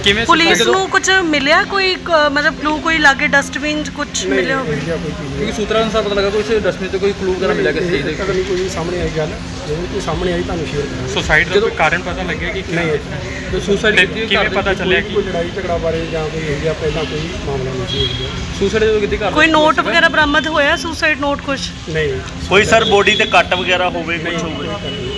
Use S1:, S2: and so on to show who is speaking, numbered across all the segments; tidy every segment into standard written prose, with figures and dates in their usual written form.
S1: ਕਿਵੇਂ
S2: ਪੁਲਿਸ ਨੂੰ ਕੁਝ ਮਿਲਿਆ ਕੋਈ ਮਤਲਬ ਕਲੂ ਕੋਈ ਲਾਗੇ ਡਸਟਬਿਨ ਕੁਝ ਮਿਲਿਆ ਹੋਵੇ?
S1: ਕਿਉਂਕਿ ਸੂਤਰਾਂ ਅਨੁਸਾਰ ਪਤਾ ਲੱਗਾ ਕੁਝ ਡਸਟਬਿਨ ਤੇ ਕੋਈ ਕਲੂ ਵਗੈਰਾ ਮਿਲਿਆ ਕਿਸੇ ਚੀਜ਼
S3: ਪਤਾ ਨਹੀਂ ਕੋਈ ਸਾਹਮਣੇ ਆਈ ਗੱਲ, ਜੇ ਕੋਈ ਸਾਹਮਣੇ ਆਈ ਤੁਹਾਨੂੰ ਸ਼ੇਅਰ ਕਰਾਂਗੇ।
S1: ਸੁਸਾਈਡ ਦਾ ਕੋਈ ਕਾਰਨ ਪਤਾ ਲੱਗਿਆ ਕਿ
S3: ਨਹੀਂ,
S1: ਸੁਸਾਈਡ ਕਿਵੇਂ ਪਤਾ ਚੱਲਿਆ ਕਿ
S3: ਕੋਈ ਲੜਾਈ ਝਗੜਾ ਬਾਰੇ ਜਾਂ ਕੋਈ ਇਹ ਜਿਹਾ ਪਹਿਲਾਂ ਕੋਈ ਮਾਮਲਾ ਨਹੀਂ ਸੀ ਇਹ ਜਿਹਾ।
S1: ਸੁਸਾਈਡ ਜਦੋਂ ਕਿਤੇ ਕਰ
S2: ਕੋਈ ਨੋਟ ਵਗੈਰਾ ਬਰਾਮਦ ਹੋਇਆ ਸੁਸਾਈਡ ਨੋਟ ਕੁਝ?
S3: ਨਹੀਂ
S4: ਕੋਈ ਸਰ ਬੋਡੀ ਤੇ ਕੱਟ ਵਗੈਰਾ ਹੋਵੇ ਕੁਝ ਹੋਵੇ?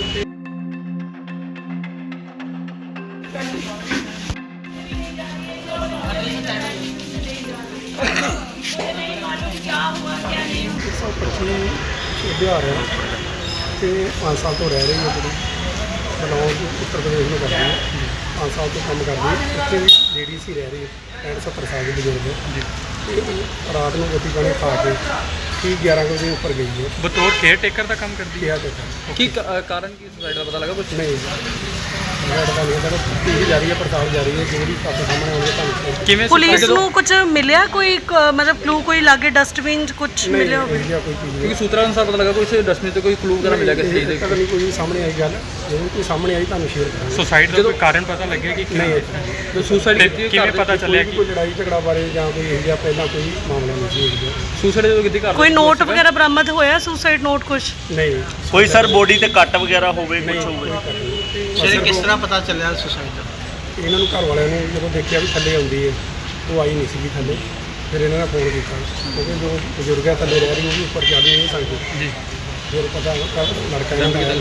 S3: ਬਿਹਾਰ ਹੈ ਅਤੇ 5 ਸਾਲ ਤੋਂ ਰਹਿ ਰਹੀ ਹੈ ਜਿਹੜੀ ਬਲੌਂਗ ਉੱਤਰ ਪ੍ਰਦੇਸ਼ ਨੂੰ ਕਰਦੀ ਹੈ। 5 ਸਾਲ ਤੋਂ ਕੰਮ ਕਰਦੀ ਹੈ, ਇੱਥੇ ਵੀ ਲੇਡੀ ਸੀ ਰਹਿ ਰਹੀ ਹੈ 65 70 ਸਾਲ ਦੇ ਬਜ਼ੁਰਗ ਹੈ। ਅਤੇ ਰਾਤ ਨੂੰ ਰੋਟੀ ਪਾਣੀ ਖਾ ਕੇ ਠੀਕ 11 ਵਜੇ ਉੱਪਰ ਗਈ ਹੈ।
S1: ਬਤੌਰ ਕੇਅਰ ਟੇਕਰ ਦਾ ਕੰਮ ਕਰਦੀ ਹੈ।
S3: ਕੀ
S1: ਕਾਰਨ ਕੀ ਸੁਸਾਈਡ ਦਾ ਪਤਾ ਲੱਗਾ ਕੁਝ?
S3: ਨਹੀਂ ਪਤਾ ਨਹੀਂ ਹੈ, ਪੀੜੀ ਜਾ ਰਹੀ ਹੈ, ਪੜਤਾਲ ਜਾਰੀ ਹੈ, ਜੋ ਵੀ ਤੁਹਾਡੇ ਸਾਹਮਣੇ ਆਉਣਗੇ ਤੁਹਾਨੂੰ
S1: ਕਿਵੇਂ
S2: ਪੁਲਿਸ ਨੂੰ ਕੁਝ ਮਿਲਿਆ ਕੋਈ ਮਤਲਬ ਕਲੂ ਕੋਈ ਲਾਗੇ ਡਸਟਬਿਨ ਕੁਝ ਮਿਲਿਆ ਹੋਵੇ?
S3: ਕੋਈ ਚੀਜ਼
S1: ਕਿਉਂਕਿ ਸੂਤਰਾਂ ਅਨੁਸਾਰ ਪਤਾ ਲੱਗਾ ਕੁਝ ਡਸਟਬਿਨ ਤੇ ਕੋਈ ਕਲੂ ਵਗੈਰਾ ਮਿਲਿਆ ਕਿਸੇ ਚੀਜ਼
S3: ਪਤਾ ਨਹੀਂ ਕੋਈ ਸਾਹਮਣੇ ਆਈ ਗੱਲ, ਜੇ ਕੋਈ ਸਾਹਮਣੇ ਆਈ ਤੁਹਾਨੂੰ ਸ਼ੇਅਰ ਕਰਾਂਗੇ।
S1: ਸੁਸਾਈਡ ਦਾ ਕੋਈ ਕਾਰਨ ਪਤਾ ਲੱਗਿਆ ਕਿ
S3: ਨਹੀਂ,
S1: ਸੁਸਾਈਡ ਕਿਵੇਂ ਪਤਾ ਚੱਲਿਆ ਕਿ
S3: ਕੋਈ ਲੜਾਈ ਝਗੜਾ ਬਾਰੇ ਜਾਂ ਕੋਈ ਇਹ ਜਿਹਾ ਪਹਿਲਾਂ ਕੋਈ ਮਾਮਲਾ ਨਹੀਂ ਸੀ ਇਹ ਜਿਹਾ।
S1: ਸੁਸਾਈਡ ਜਦੋਂ ਕਿਤੇ ਕਰ
S2: ਕੋਈ ਨੋਟ ਵਗੈਰਾ ਬਰਾਮਦ ਹੋਇਆ ਸੁਸਾਈਡ ਨੋਟ ਕੁਝ?
S3: ਨਹੀਂ
S4: ਕੋਈ ਸਰ ਬੋਡੀ ਤੇ ਕੱਟ ਵਗੈਰਾ ਹੋਵੇ ਕੁਝ ਹੋਵੇ?
S5: ਸਰ ਕਿਸ ਤਰ੍ਹਾਂ ਪਤਾ ਚੱਲਿਆ ਸੁਸਾਈਡ ਦਾ?
S3: ਇਹਨਾਂ ਨੂੰ ਘਰ ਵਾਲਿਆਂ ਨੇ ਜਦੋਂ ਦੇਖਿਆ ਵੀ ਥੱਲੇ ਆਉਂਦੀ ਹੈ, ਉਹ ਆਈ ਨਹੀਂ ਸੀਗੀ ਥੱਲੇ, ਫਿਰ ਇਹਨਾਂ ਨੇ ਫੋਨ ਕੀਤਾ ਕਿਉਂਕਿ ਜੋ ਬਜ਼ੁਰਗ ਹੈ ਥੱਲੇ ਰਹਿ ਰਹੀ ਉਹ ਵੀ ਉੱਪਰ ਚੜ੍ਹ ਨਹੀਂ ਸਕਦੇ ਜੀ। ਫਿਰ ਪਤਾ ਲੜਕਾ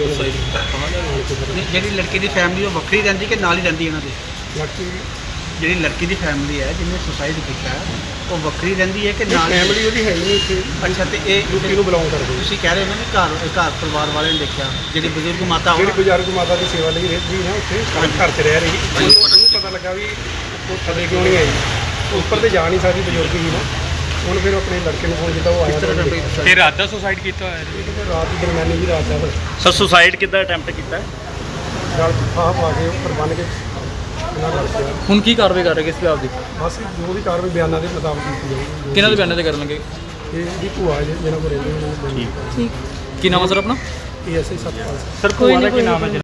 S5: ਜਿਹੜੀ ਲੜਕੀ ਦੀ ਫੈਮਿਲੀ ਉਹ ਵੱਖਰੀ ਰਹਿੰਦੀ ਕਿ ਨਾਲ ਹੀ ਰਹਿੰਦੀ ਇਹਨਾਂ ਦੇ?
S3: ਲੜਕੀ
S5: ਜਿਹੜੀ ਲੜਕੀ ਦੀ ਫੈਮਿਲੀ ਹੈ ਜਿਹਨੇ ਸੁਸਾਈਡ ਕੀਤਾ ਉਹ ਵੱਖਰੀ ਰਹਿੰਦੀ ਹੈ ਕਿ ਨਾਲ?
S3: ਫੈਮਿਲੀ ਉਹਦੀ ਹੈ ਹੀ ਨਹੀਂ ਇੱਥੇ,
S5: ਅੱਛਾ, ਤੇ ਇਹ
S3: ਯੂਪੀ ਨੂੰ ਬਿਲੋਂਗ ਕਰਦੇ।
S5: ਤੁਸੀਂ ਕਹਿ ਰਹੇ ਹੋ ਨਾ ਕਿ ਘਰ ਪਰਿਵਾਰ ਵਾਲਿਆਂ ਨੇ ਦੇਖਿਆ, ਜਿਹੜੀ ਬਜ਼ੁਰਗ ਮਾਤਾ
S3: ਜਿਹੜੀ ਬਜ਼ੁਰਗ ਮਾਤਾ ਦੀ ਸੇਵਾ ਲਈ ਰਹਿੰਦੀ ਨਾ ਉੱਥੇ ਘਰ 'ਚ ਰਹਿ ਰਹੀ, ਉਹਨੂੰ ਪਤਾ ਲੱਗਾ ਵੀ ਉਹ ਥੱਲੇ ਕਿਉਂ ਨਹੀਂ ਆਈ, ਉੱਪਰ ਤੇ ਜਾ ਨਹੀਂ ਸਕਦੀ ਬਜ਼ੁਰਗ ਹੀ ਨਾ। ਹੁਣ ਫਿਰ ਆਪਣੇ ਲੜਕੇ ਨੂੰ ਫੋਨ ਕੀਤਾ, ਉਹ ਆਇਆ।
S1: ਫਿਰ ਰਾਤ ਦਾ ਸੁਸਾਈਡ ਕੀਤਾ ਹੋਇਆ ਜੀ?
S3: ਰਾਤ ਦੀ ਦਰਮਿਆਨੀ ਵੀ ਰਾਤ ਦਾ
S4: ਸਰ ਸੁਸਾਈਡ ਕਿੱਦਾਂ ਅਟੈਂਪਟ ਕੀਤਾ?
S3: ਗਲ ਫਾਹ ਪਾ ਕੇ ਉੱਪਰ ਬੰਨ੍ਹ ਕੇ ਇਹਨਾਂ ਲੜਕਿਆ।
S1: ਹੁਣ ਕੀ ਕਾਰਵਾਈ ਕਰ ਰਹੇ ਕਿਸ ਵਿਭਾਗ ਦੀ?
S3: ਬਸ ਜੋ ਵੀ ਕਾਰਵਾਈ ਬਿਆਨਾਂ ਦੇ ਮੁਤਾਬਕ ਕੀਤੀ ਜਾਊਗੀ।
S1: ਕਿਹਨਾਂ ਦੇ ਬਿਆਨਾਂ ਤੇ ਕਰਨ ਲੱਗੇ?
S3: ਇਹ ਦੀ ਭੂਆ ਜਿਹਨਾਂ ਕੋਲ ਰਹਿੰਦੇ ਉਹਨਾਂ ਨੂੰ
S1: ਕੀ ਨਾਮ ਹੈ ਸਰ ਆਪਣਾ?
S3: ASI ਸਤਪਾਲ ਸਿੰਘ।
S1: ਸਰ ਭੂਆ ਦਾ ਕੀ ਨਾਮ ਹੈ?